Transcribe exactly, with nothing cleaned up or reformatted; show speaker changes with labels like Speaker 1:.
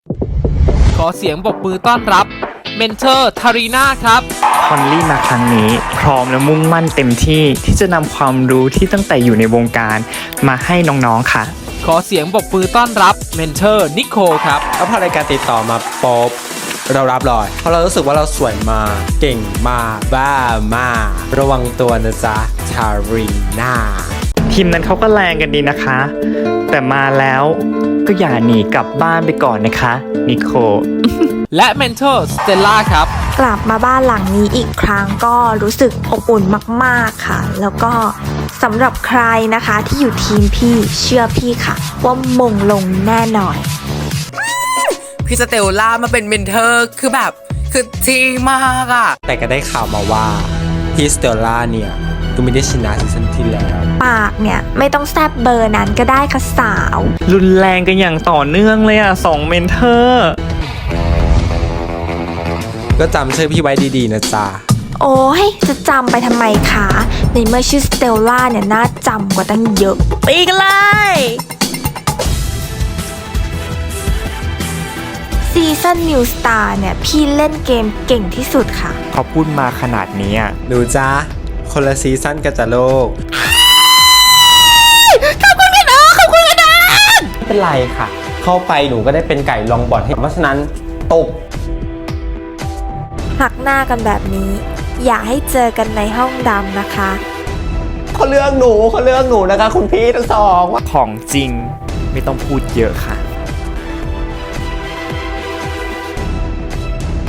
Speaker 1: ขอเสียงปรบมือต้อนรับเมนเทอร์ทารีนาครับ
Speaker 2: คอนลี่มาครั้งนี้พร้อมและมุ่งมั่นเต็มที่ที่จะนำความรู้ที่ตั้งแต่อยู่ในวงการมาให้น้องๆค่ะ
Speaker 1: ขอเสียงปรบมือต้อนรับเมนเทอร์นิโคลครับ
Speaker 3: แล้วพอรายการติดต่อมาป๊บเรารับเลยเพราะเรารู้สึกว่าเราสวยมากเก่งมากบ้ามากระวังตัวนะจ๊ะทารีนา
Speaker 2: ทีมนั้นเขาก็แรงกันดีนะคะแต่มาแล้วก็อย่าหนีกลับบ้านไปก่อนนะคะนิโค
Speaker 1: และเมนเทอร์สเตลล่าครับ
Speaker 4: กลับมาบ้านหลังนี้อีกครั้งก็รู้สึกอบอุ่นมากๆค่ะแล้วก็สำหรับใครนะคะที่อยู่ทีมพี่เชื่อพี่ค่ะว่ามงลงแน่นอน
Speaker 5: พี่สเตลล่ามาเป็นเมนเทอร์คือแบบคือทีมากอะ
Speaker 3: แต่ก็ได้ข่าวมาว่าพี่สเตลล่าเนี่ยก็ไม่ได้ชนะซีซั่นที่แล้ว
Speaker 4: ปากเนี่ยไม่ต้องแซบเบอร์นั้นก็ได้ค่ะสาว
Speaker 2: รุนแรงกันอย่างต่อเนื่องเลยอ่ะสองเมนเทอร์
Speaker 3: ก็จำชื่อพี่ไว้ดีๆนะจ๊ะ
Speaker 4: โอ้ยจะจำไปทำไมคะในเมื่อชื่อสเตลล่าเนี่ยน่าจำกว่าตั้งเยอะปีกันเลยซีซั่นนิวสตาร์เนี่ยพี่เล่นเกมเก่งที่สุดค่ะ
Speaker 2: เขาพูดมาขนาดนี้
Speaker 3: หนูจ๊ะคนละซีซั่นกันจ้ะโลก
Speaker 4: ขอบคุณกันเออขอบคุณกันนะ
Speaker 3: ไม่เป็นไรค่ะเข้าไปหนูก็ได้เป็นไก่ลองบอลให้เพราะฉะนั้นตบ
Speaker 4: หักหน้ากันแบบนี้อย่าให้เจอกันในห้องดำนะคะ
Speaker 3: เขาเลือกหนูเขาเลือกหนูนะคะคุณพี่ทั้งสอง
Speaker 2: ของจริงไม่ต้องพูดเยอะค่ะ